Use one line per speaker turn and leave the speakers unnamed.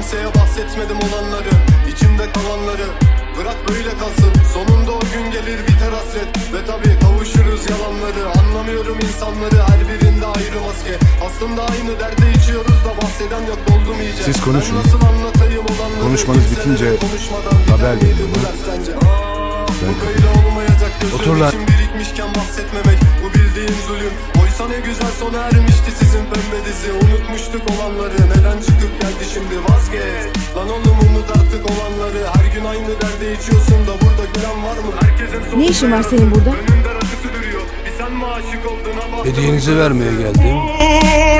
kimseye bahsetmedim olanları, içimde kalanları. Bırak böyle kalsın, sonunda o gün gelir biter hasret. Ve tabi kavuşuruz yalanları. Anlamıyorum insanları, her birinde ayrı maske. Aslında aynı derde içiyoruz da bahseden yok, doldum iyice.
Siz konuşun.
Ben nasıl anlatayım olanları?
Konuşmanız bitince haber verin bana.
Bu böyle olmayacak,
Otur
gözüm
lan.
için birikmişken bahsetmemek, bu bildiğin zulüm. Oysa ne güzel sona ermişti sizin pembe dizi. Unutmuştuk olanları, neden çıkıp geldi şimdi? Vazgeç lan oğlum, unut artık olanları. Her gün aynı derde içiyorsun da burada gülen var mı? Herkesin
Ne işin var senin burada?
önünde rakısı duruyor. Bir sen mi aşık oldun ama
Hediyenizi vermeye geldim.